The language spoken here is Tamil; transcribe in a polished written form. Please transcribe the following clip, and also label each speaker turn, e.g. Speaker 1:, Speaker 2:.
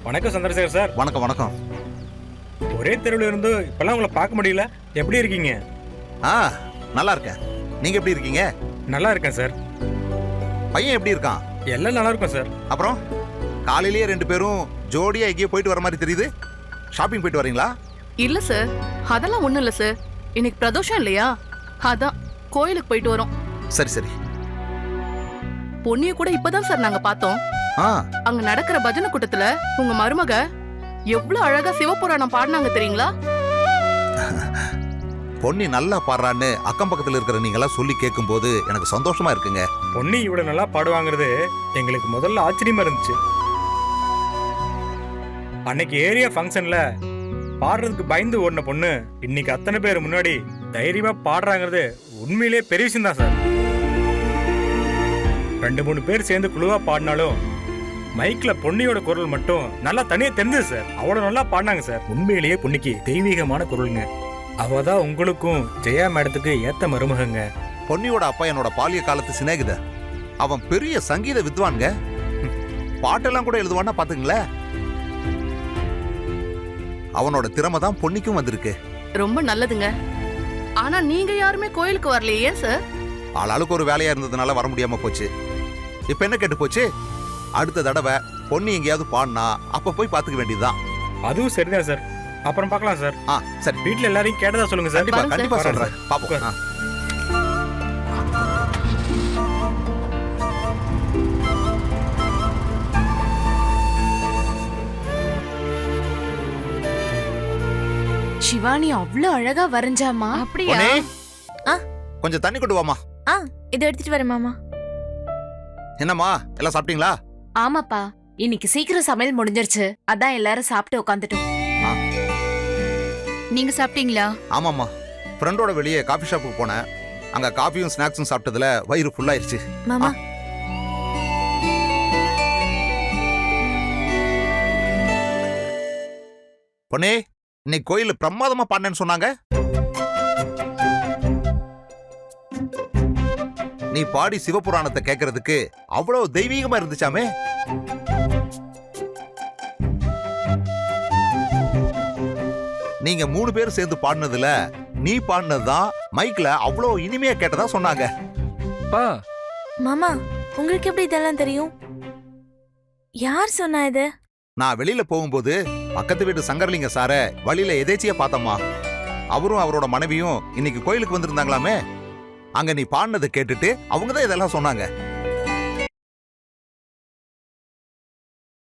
Speaker 1: வணக்கம் சந்திரசேகர் சார்.
Speaker 2: வணக்கம் வணக்கம்.
Speaker 1: ஒரே தெருவில் இருந்து இப்பெல்லாம் உங்களை பார்க்க முடியல. எப்படி இருக்கீங்க?
Speaker 2: நல்லா இருக்கேன். நீங்க எப்படி இருக்கீங்க?
Speaker 1: நல்லா இருக்கேன் சார்.
Speaker 2: பையன் எப்படி இருக்கான்?
Speaker 1: எல்லாம் நல்லா இருக்கும் சார்.
Speaker 2: அப்புறம் காலையிலேயே 2 பேரும் ஜோடியா எங்கேயோ போயிட்டு வர மாதிரி தெரியுது. ஷாப்பிங் போயிட்டு வரீங்களா?
Speaker 3: இல்ல சார், அதெல்லாம் ஒண்ணும் இல்ல சார். இன்னைக்கு பிரதோஷம் இல்லையா, அதான் கோயிலுக்கு போயிட்டு வரோம்.
Speaker 2: சரி சரி.
Speaker 3: பொண்ணிய கூட இப்பதான் சார் நாங்க பார்த்தோம். அங்க நடக்கிற பஜனை கூட்டத்துல உங்க மருமக எவ்வளவு அழகா சிவபுராணம் பாடினாங்க தெரியுங்களா?
Speaker 2: பொன்னி நல்லா பாடுறான்னு அக்கம் பக்கத்துல இருக்கிற நீங்க எல்லாம் சொல்லி கேட்கும் போது எனக்கு சந்தோஷமா இருக்குங்க.
Speaker 1: பொன்னி இவ்வளவு நல்லா பாடுவாங்கிறது எங்களுக்கு முதல்ல ஆச்சரியமா இருந்துச்சு. அன்னைக்கு ஏரியா ஃபங்க்ஷன்ல பாடுறதுக்கு பயந்து ஓடின பொண்ணு இன்னைக்கு அத்தனை பேர் முன்னாடி தைரியமா பாடுறாங்கிறது உண்மையிலே பெரிய விஷயம் தான் சார். 2-3 பேர் சேர்ந்து குழுவா பாடினாலும் மைக்ல பொன்னியோட குரல் மட்டும் நல்லா தனியா தெரிஞ்சது சார். அவ்வளவு நல்லா பாடினாங்க சார். உண்மையிலேயே பொன்னிக்கு தெய்வீகமான குரலுங்க. அவதான் உங்களுக்கும் ஜெயா மேடத்துக்கு ஏத்த மருமகங்க.
Speaker 2: பொன்னியோட அப்பா என்னோட பாலிய காலத்து சிநேகித. அவன் பெரிய சங்கீத வித்வான்ங்க. பாட்டெல்லாம் கூட எழுதுவான்னா பாத்துங்களேன். அவனோட திறமை தான் பொன்னிக்கும் வந்திருக்கு.
Speaker 3: ரொம்ப நல்லதுங்க. ஆனா நீங்க யாருமே கோயிலுக்கு வரலையே சார்?
Speaker 2: ஆளாளுக்கு ஒரு வேலையா இருந்ததுனால வர முடியாம போச்சு. இப்ப என்ன கேட்டு போச்சு? அடுத்த தடவை பொன்னி எங்கேயாவது பாடினா அப்ப போய் பாத்துக்க வேண்டியதுதான்.
Speaker 1: அதுவும் சரிதான் சார். அப்புறம் பார்க்கலாம் சார்.
Speaker 2: சரி.
Speaker 1: வீட்டுல எல்லாரையும் கேட்டதா சொல்லுங்க சார்.
Speaker 2: கண்டிப்பா கண்டிப்பா சொல்றேன். பாப்போம்.
Speaker 4: சிவானி அவ்வளவு அழகா வரைஞ்சாமா.
Speaker 3: அப்படியா?
Speaker 2: கொஞ்சம் தண்ணி கொண்டு வாமா.
Speaker 4: இதை எடுத்துட்டு வரேன் மாமா.
Speaker 2: என்னம்மா எல்லாம் சாப்பிட்டீங்களா?
Speaker 4: ஆமாப்பா, இன்னைக்கு சீக்கிரம் சமையல் முடிஞ்சிருச்சு. அதான் எல்லாரும் சாப்பிட்டு உட்காந்துட்டோம்.
Speaker 3: நீங்க சாப்பிட்டீங்களா?
Speaker 2: ஆமாம்மா, ஃப்ரெண்டோட வெளியே காஃபி ஷாப்புக்கு போனேன். அங்க காஃபியும் ஸ்நாக்ஸும் சாப்பிட்டதுல வயிறு ஃபுல்லாயிருச்சு.
Speaker 4: மாமா
Speaker 2: பொண்ணே, இன்னைக்கு கோயில்ல பிரமாதமா பாடினேன்னு சொன்னாங்க. நீ பாடி சிவபுராணத்தை கேட்கறதுக்கு அவ்வளவு தெய்வீகமா இருந்துச்சாமே. நீங்க 3 பேர் சேர்ந்து பாடினதுல நீ பாடினதுதான் மைக்ல அவ்வளவு இனிமையா கேட்டதா சொன்னாங்க.
Speaker 5: மாமா, உங்களுக்கு எப்படி இதெல்லாம் தெரியும்? யார் சொன்னா இது?
Speaker 2: நான் வெளியில போகும்போது பக்கத்து வீட்டு சங்கரலிங்க சார வழியில எதேச்சியா பார்த்தம்மா. அவரும் அவரோட மனைவியும் இன்னைக்கு கோயிலுக்கு வந்திருந்தாங்களாமே. அங்க நீ பாடினதை கேட்டுட்டு அவங்க தான் இதெல்லாம் சொன்னாங்க.